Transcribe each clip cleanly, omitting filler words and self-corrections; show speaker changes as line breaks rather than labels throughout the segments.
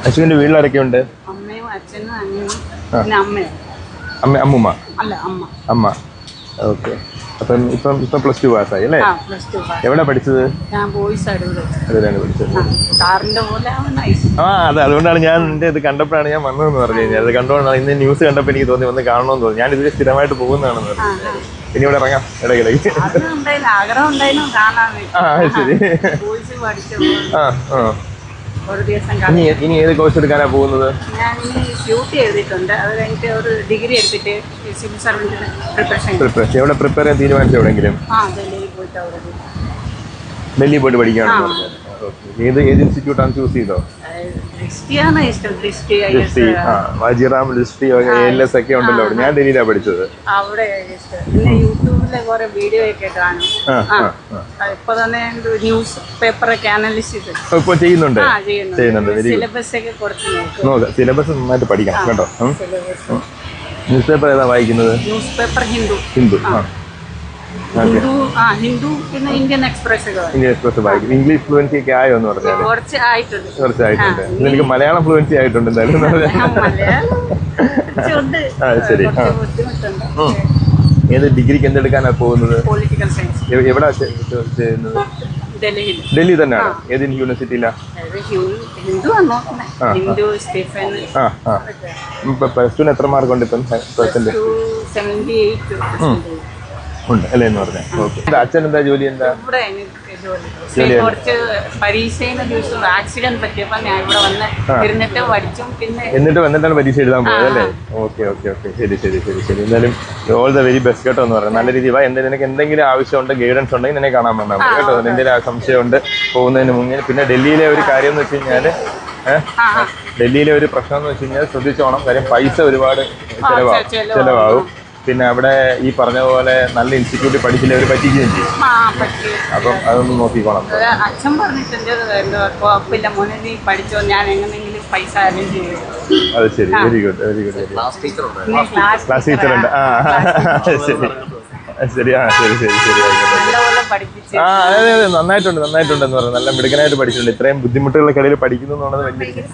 അശ്വിന്റെ വീട്ടിലാരൊക്കെ ഉണ്ട്?
അമ്മയും അച്ഛനും അനിയനും പിന്നെ അമ്മയും.
അമ്മൂമ്മ?
അല്ല, അമ്മ.
അമ്മ. ഓക്കെ. അപ്പം ഇപ്പം +2 പാസ്സായി അല്ലേ?
+2
എവിടെ പഠിച്ചത്?
ഞാൻ ബോയ്സ്
അതിലാണ് പഠിച്ചത്.
സാറിന്റെ പോലെ
അതെ, അതുകൊണ്ടാണ് ഞാൻ എന്റെ ഇത് കണ്ടപ്പോഴാണ് ഞാൻ വന്നതെന്ന് പറഞ്ഞു കഴിഞ്ഞാൽ. അത് കണ്ടുകൊണ്ടാണ് ഇന്ന് ന്യൂസ് കണ്ടപ്പോൾ എനിക്ക് തോന്നി വന്ന് കാണണമെന്ന് തോന്നി. ഞാൻ ഇതിൽ സ്ഥിരമായിട്ട് പോകുന്നതാണെന്ന് പറഞ്ഞു. ഇനി ഇവിടെ ഇറങ്ങാം ഇടയ്ക്കിടയ്ക്ക്.
ആഗ്രഹം ഉണ്ടായിരുന്നു കാണാൻ.
ശരി.
ബോയ്സ് പഠിച്ചു ഒരു ദിവസം.
ഇനി ഏത് കോഴ്സ് എടുക്കാനാ പോകുന്നത്?
ഞാൻ ഡ്യൂട്ടി എഴുതിയിട്ടുണ്ട്. അത് കഴിഞ്ഞിട്ട് ഒരു ഡിഗ്രി എടുത്തിട്ട് സിവിൽ സർവീസിന് പ്രിപ്പറേഷൻ.
എവിടെ പ്രിപ്പയർ ചെയ്യാൻ തീരുമാനിച്ചു? എവിടെയെങ്കിലും ഡൽഹി പോയിട്ട് പഠിക്കുകയാണെന്ന് പറഞ്ഞത്. ഏത് ഇൻസ്റ്റിറ്റ്യൂട്ടാണ് ചൂസ് ചെയ്തോ? വാജിറാം ലിസ്റ്റി ALS ഒക്കെ ഉണ്ടല്ലോ. ഞാൻ ഡൽഹിയിലാണ് പഠിച്ചത്.
അവിടെ യൂട്യൂബിലെ കുറെ വീഡിയോ ഒക്കെ കാണും. ഇപ്പൊ തന്നെ ന്യൂസ് പേപ്പറൊക്കെ അനലിസ്റ്റ്
ഇപ്പൊ ചെയ്യുന്നുണ്ട്.
സിലബസ് ഒക്കെ കുറച്ച്
നോക്കാം. സിലബസ് നന്നായിട്ട് പഠിക്കണം കേട്ടോ. ന്യൂസ് പേപ്പർ ഏതാ വായിക്കുന്നത്?
News paper Hindu. ഹിന്ദു പിന്നെ ഇന്ത്യൻ എക്സ്പ്രസ്
വായിക്കും. ഇംഗ്ലീഷ് ഫ്ലുവൻസി ഒക്കെ ആയോ എന്ന് പറഞ്ഞാൽ? കുറച്ചായിട്ടുണ്ട്. എനിക്ക് മലയാളം ഫ്ലുവൻസി ആയിട്ടുണ്ട് എന്തായാലും. ശരി. ഏത് ഡിഗ്രിക്ക് എന്തെടുക്കാനാ പോകുന്നത്?
Political science.
എവിടാ ചെയ്യുന്നത്? ഡൽഹി തന്നെയാണ്. ഏത് യൂണിവേഴ്സിറ്റിയിലാ? +2 എത്ര മാർക്ക് ഉണ്ട് ഇപ്പം? ഉണ്ട് അല്ലേ എന്ന് പറഞ്ഞാൽ. ഓക്കെ. അച്ഛൻ എന്താ ജോലി? എന്താ
കുറച്ച് പരീക്ഷയുടെ ദിവസം ആക്സിഡന്റ് പറ്റിയപ്പോ ഞാൻ ഇവിടെ വന്ന്
എന്നിട്ടാണ് പരീക്ഷ എഴുതാൻ പോയത് അല്ലേ? ഓക്കെ. ശരി. എന്തായാലും ഓൾ ദ വെരി ബെസ്റ്റ് കേട്ടോ എന്ന് പറയാം. നല്ല രീതിയിൽ നിനക്ക് എന്തെങ്കിലും ആവശ്യമുണ്ട്, ഗൈഡൻസ് ഉണ്ടെങ്കിൽ നിന്നെ കാണാൻ വന്നാൽ മതി കേട്ടോ. എന്തെങ്കിലും സംശയമുണ്ട് പോകുന്നതിന് മുന്നേ. പിന്നെ ഡൽഹിയിലെ ഒരു കാര്യം എന്ന് വെച്ച് കഴിഞ്ഞാൽ ഡൽഹിയിലെ ഒരു പ്രശ്നം എന്ന് വെച്ച് കഴിഞ്ഞാൽ ശ്രദ്ധിച്ചോണം. കാര്യം പൈസ ഒരുപാട് ചെലവാകും. പിന്നെ അവിടെ ഈ പറഞ്ഞ പോലെ നല്ല ഇൻസ്റ്റിറ്റ്യൂട്ടിൽ പഠിച്ചില്ല അവർ പറ്റിക്കുകയും ചെയ്യും. അപ്പം അതൊന്നും നോക്കിക്കോണം.
അച്ഛൻ പറഞ്ഞിട്ടുണ്ട് കുഴപ്പമില്ല മോനെ, നീ പഠിച്ചോ, ഞാൻ എങ്ങനെയെങ്കിലും പൈസ അറേഞ്ച് ചെയ്യും.
അത് ശരി. Very good. ക്ലാസ് ടീച്ചർ ഉണ്ട്. ശരി. അതെ നന്നായിട്ടുണ്ട് എന്ന് പറഞ്ഞു. നല്ല മിടുക്കനായിട്ട് പഠിച്ചിട്ടുണ്ട്. ഇത്രയും ബുദ്ധിമുട്ടുകൾക്കിടയിൽ പഠിക്കുന്നു എന്നുള്ളത് വലിയ.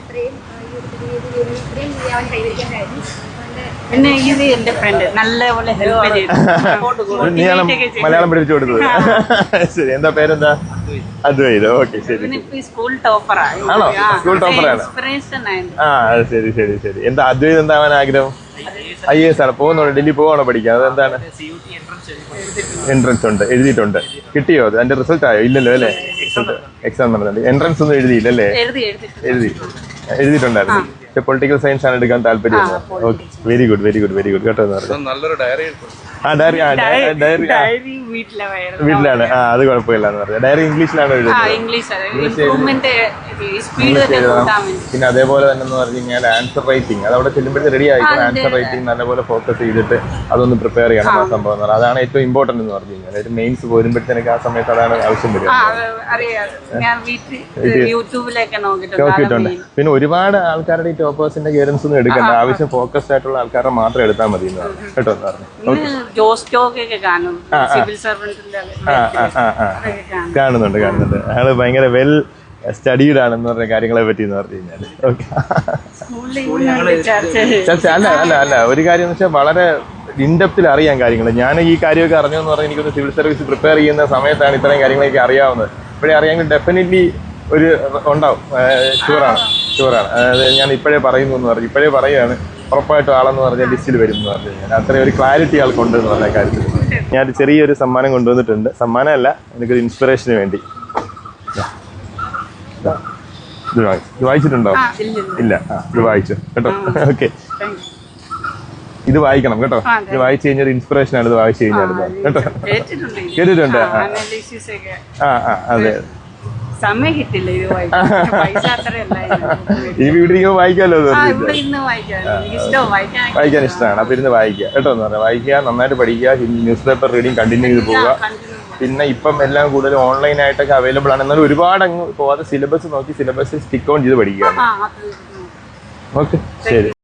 പിന്നെ ഇത് എന്റെ ഫ്രണ്ട് നല്ലപോലെ ഹെൽപ്പ് ചെയ്തു.
മലയാളം പഠിപ്പിച്ചു കൊടുത്തത്. ശരി. എന്താ പേരെന്താ? അദ്വൈത്. ഓക്കെ. ശരി.
സ്കൂൾ ടോപ്പറാണ്.
ആണോ? സ്കൂൾ ടോപ്പറാണ്. ശരി. എന്താ അദ്വൈത് എന്താവാൻ ആഗ്രഹം? IAS ആണ്. പോകുന്നുണ്ട്. ഡൽഹി പോവാണോ പഠിക്കാൻ? അതെന്താണ്? എൻട്രൻസ് ഉണ്ട്. എഴുതിയിട്ടുണ്ട്. കിട്ടിയോ? അത് അതിന്റെ റിസൾട്ട് ആയോ? ഇല്ലല്ലോ അല്ലേ? എക്സാം നടന്നുണ്ട്. എൻട്രൻസ് ഒന്നും എഴുതിയില്ലല്ലേ? എഴുതിയിട്ടുണ്ടായിരുന്നു. പൊളിറ്റിക്കൽ സയൻസ് ആണ് എടുക്കാൻ താല്പര്യം. ഓക്കെ. വെരി ഗുഡ് കേട്ടോ.
നല്ലൊരു ഡയറി.
ഡയറി വീട്ടിലാണ്. അത് കുഴപ്പമില്ല എന്ന് പറഞ്ഞാൽ. ഡയറി ഇംഗ്ലീഷിലാണ് എഴുതുന്നത്. പിന്നെ അതേപോലെ തന്നെ എന്ന് പറഞ്ഞു കഴിഞ്ഞാൽ ആൻസർ റൈറ്റിംഗ് അത് അവിടെ ചെല്ലുമ്പോഴത്തെ റെഡി ആയിരിക്കും. ആൻസർ റൈറ്റിംഗ് നല്ലപോലെ ഫോക്കസ് ചെയ്തിട്ട് അതൊന്ന് പ്രിപ്പയർ ചെയ്യണം. ആ സംഭവം എന്ന് പറഞ്ഞാൽ അതാണ് ഏറ്റവും ഇമ്പോർട്ടന്റ് എന്ന് പറഞ്ഞു കഴിഞ്ഞാൽ. ഒരു മെയിൻസ് പോരുമ്പോഴത്തേക്ക് ആ സമയത്ത് അതാണ് ആവശ്യം വരിക. നോക്കിയിട്ടുണ്ട്. പിന്നെ ഒരുപാട് ആൾക്കാരുടെ ഈ ടോപ്പേഴ്സിന്റെ ഗൈഡൻസ് ഒന്നും എടുക്കണ്ട. ആവശ്യം ഫോക്കസ്ഡ് ആയിട്ടുള്ള ആൾക്കാരെ മാത്രം എടുത്താൽ മതി കേട്ടോ എന്ന് പറഞ്ഞു. കാണുന്നുണ്ട്. അയാള് ഭയങ്കര വെൽ സ്റ്റഡീഡ് ആണെന്ന് പറഞ്ഞ കാര്യങ്ങളെ പറ്റി എന്ന് പറഞ്ഞു കഴിഞ്ഞാൽ. ഓക്കെ. അല്ല ഒരു കാര്യം എന്ന് വെച്ചാൽ വളരെ ഇൻഡെപ്തിൽ അറിയാൻ കാര്യങ്ങൾ. ഞാൻ ഈ കാര്യമൊക്കെ അറിഞ്ഞെന്ന് പറഞ്ഞാൽ എനിക്കൊന്ന് സിവിൽ സർവീസ് പ്രിപ്പയർ ചെയ്യുന്ന സമയത്താണ് ഇത്രയും കാര്യങ്ങളൊക്കെ അറിയാവുന്നത്. ഇപ്പോഴേ അറിയാമെങ്കിൽ ഡെഫിനറ്റ്ലി ഒരു ഉണ്ടാവും. ഷുവറാണ്. അതായത് ഞാൻ ഇപ്പോഴേ പറയുന്നു എന്ന് പറഞ്ഞു. ഇപ്പോഴേ പറയുകയാണ്. ഉറപ്പായിട്ടും ആളെന്ന് പറഞ്ഞാൽ ലിസ്റ്റിൽ വരും എന്ന് പറഞ്ഞു കഴിഞ്ഞാൽ അത്രയും ഒരു ക്ലാരിറ്റി ആൾക്കുണ്ട് എന്ന് പറഞ്ഞ കാര്യത്തിൽ. ഞാൻ ചെറിയൊരു സമ്മാനം കൊണ്ടുവന്നിട്ടുണ്ട്. സമ്മാനമല്ല, എനിക്കൊരു ഇൻസ്പിറേഷന് വേണ്ടി. ഇത് വായിച്ചിട്ടുണ്ടോ? ഇല്ല. ഇത് വായിച്ചു കേട്ടോ. ഓക്കെ. ഇത് വായിക്കണം കേട്ടോ. ഇത് വായിച്ചു കഴിഞ്ഞാൽ ഇൻസ്പിറേഷൻ ആണ്. ഇത് വായിച്ചു കഴിഞ്ഞാൽ കേട്ടോ. കേട്ടിട്ടുണ്ട്. അതെ.
സമയം കിട്ടില്ല ഇത്
ഈ വീട്ടിൽ വായിക്കാമല്ലോ. വായിക്കാൻ ഇഷ്ടമാണ്. അപ്പൊ ഇരുന്ന് വായിക്കുക കേട്ടോ എന്ന് പറഞ്ഞാൽ. വായിക്കുക, നന്നായിട്ട് പഠിക്കുക, ന്യൂസ് പേപ്പർ റീഡിങ് കണ്ടിന്യൂ ചെയ്ത് പോവുക. പിന്നെ ഇപ്പം എല്ലാം കൂടുതൽ ഓൺലൈൻ ആയിട്ടൊക്കെ അവൈലബിൾ ആണ്. എന്നാലും ഒരുപാട് അങ്ങ് പോവാതെ സിലബസ് നോക്കി സിലബസ് സ്റ്റിക്ക് ഓൺ ചെയ്ത് പഠിക്കുക. ഓക്കെ. ശരി.